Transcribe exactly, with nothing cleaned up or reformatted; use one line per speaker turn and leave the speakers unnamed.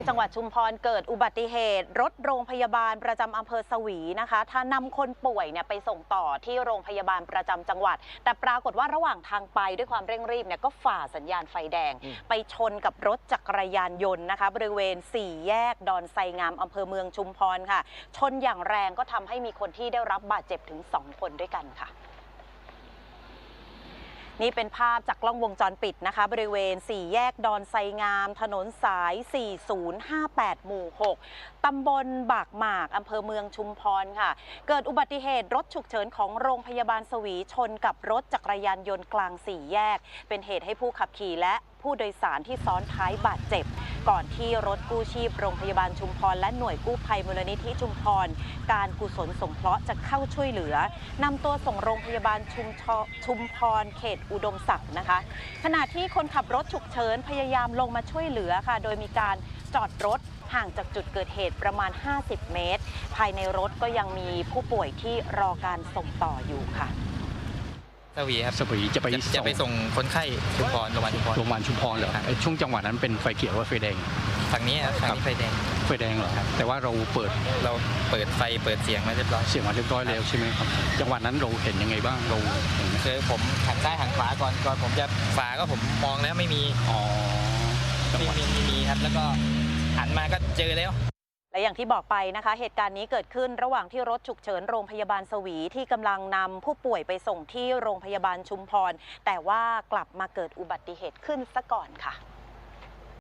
จังหวัดชุมพรเกิดอุบัติเหตุรถโรงพยาบาลประจำอำเภอสวีนะคะถ้านำคนป่วยเนี่ยไปส่งต่อที่โรงพยาบาลประจำจังหวัดแต่ปรากฏว่าระหว่างทางไปด้วยความเร่งรีบเนี่ยก็ฝ่าสัญญาณไฟแดงไปชนกับรถจักรยานยนต์นะคะบริเวณสี่แยกดอนไซงามอำเภอเมืองชุมพรค่ะชนอย่างแรงก็ทำให้มีคนที่ได้รับบาดเจ็บถึงสองคนด้วยกันค่ะนี่เป็นภาพจากกล้องวงจรปิดนะคะบริเวณสี่แยกดอนไซงามถนนสายสี่ศูนย์ห้าแปดหมู่หกตำบลบากหมากอำเภอเมืองชุมพรค่ะเกิดอุบัติเหตุรถฉุกเฉินของโรงพยาบาลสวีชนกับรถจักรยานยนต์กลางสี่แยกเป็นเหตุให้ผู้ขับขี่และผู้โดยสารที่ซ้อนท้ายบาดเจ็บก่อนที่รถกู้ชีพโรงพยาบาลชุมพรและหน่วยกู้ภัยมูลนิธิชุมพรการกุศลสงเคราะห์จะเข้าช่วยเหลือนำตัวส่งโรงพยาบาลชุมชุมพรเขตอุดมศักดิ์นะคะขณะที่คนขับรถฉุกเฉินพยายามลงมาช่วยเหลือค่ะโดยมีการจอดรถห่างจากจุดเกิดเหตุประมาณห้าสิบเมตรภายในรถก็ยังมีผู้ป่วยที่รอการส่งต่ออยู่ค่ะ
สวีครับ
สวีจะไป
จะไปส่งคนไข้ชุมพรโรงพยาบาลชุมพร
โรงพยาบาลชุมพรเหรอช่วงจังหวะนั้นเป็นไฟเขียวหรือไฟแดง
ทางนี้ครับทางนี้ไฟแดง
ไฟแดงเหรอแต่ว่าเราเปิด
เราเปิดไฟเปิดเสียงมาเรียบร้อย
เสียงมาเรียบร้อยแล้วใช่ไหมครับจังหวะนั้นเราเห็นยังไงบ้างเราเห็น
คือผมหันซ้ายหันขวาก่อนก่อนผมจะฝาก็ผมมองแล้วไม่มี
อ๋อ
ไม่มีไม่มีครับแล้วก็หันมาก็เจอแล้ว
และอย่างที่บอกไปนะคะเหตุการณ์นี้เกิดขึ้นระหว่างที่รถฉุกเฉินโรงพยาบาลสวีที่กำลังนำผู้ป่วยไปส่งที่โรงพยาบาลชุมพรแต่ว่ากลับมาเกิดอุบัติเหตุขึ้นซะก่อนค่ะ